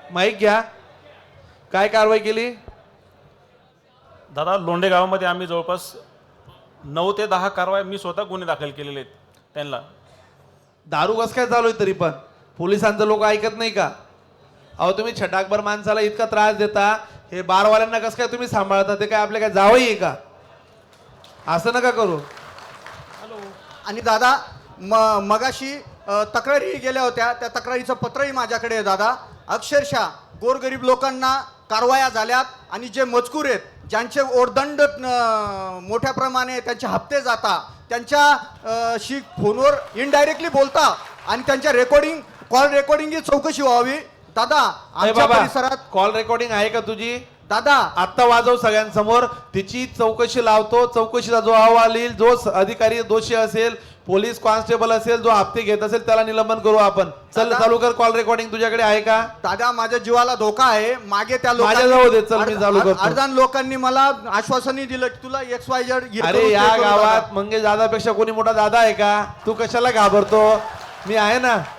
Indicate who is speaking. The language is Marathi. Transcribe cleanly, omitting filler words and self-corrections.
Speaker 1: माईक घ्या. काय कारवाई केली?
Speaker 2: दादा लोंढे गावामध्ये आम्ही जवळपास 9 ते 10 कारवाई मी स्वतः गुन्हे दाखल केलेले आहेत त्यांना.
Speaker 1: दारू कस काय चालू आहे तरी पण पोलिसांचं लोक ऐकत नाही का? अहो तुम्ही छटाकभर माणसाला इतका त्रास देता, हे बारवाल्यांना कसं काय तुम्ही सांभाळता? ते काय आपले काय जावई आहे का? असं नका करू.
Speaker 3: आणि दादा मगाशी तक्रारी गेल्या होत्या, त्या तक्रारीचं पत्रही माझ्याकडे आहे दादा. अक्षरशः गोरगरीब लोकांना कारवाया झाल्यात आणि जे मजकूर आहेत, ज्यांचे ओरदंड मोठ्या प्रमाणे त्यांचे हप्ते जाता, त्यांच्या शी फोनवर इनडायरेक्टली बोलता आणि त्यांच्या कॉल रेकॉर्डिंगची चौकशी व्हावी दादा. आमच्या परिसरात
Speaker 1: कॉल रेकॉर्डिंग आहे का तुझी?
Speaker 3: दादा
Speaker 1: आत्ता वाजव सगळ्यांसमोर. तिची चौकशी लावतो. चौकशीचा जो अहवाल येईल, जो अधिकारी दोषी असेल, पोलीस कॉन्स्टेबल असेल, जो हप्ते घेत असेल, त्याला निलंबन करू आपण. चल चालू कर. कॉल रेकॉर्डिंग तुझ्याकडे आहे का?
Speaker 3: दादा माझ्या जीवाला धोका आहे. मागे त्या
Speaker 1: माझ्याजवळ दे. चल मी चालू करतो.
Speaker 3: अर्धान लोकांनी मला आश्वासनही दिलं की तुला XYZ.
Speaker 1: अरे या गावात मंगेश दादापेक्षा कोणी मोठा दादा आहे का? तू कशाला घाबरतो? मी आहे ना.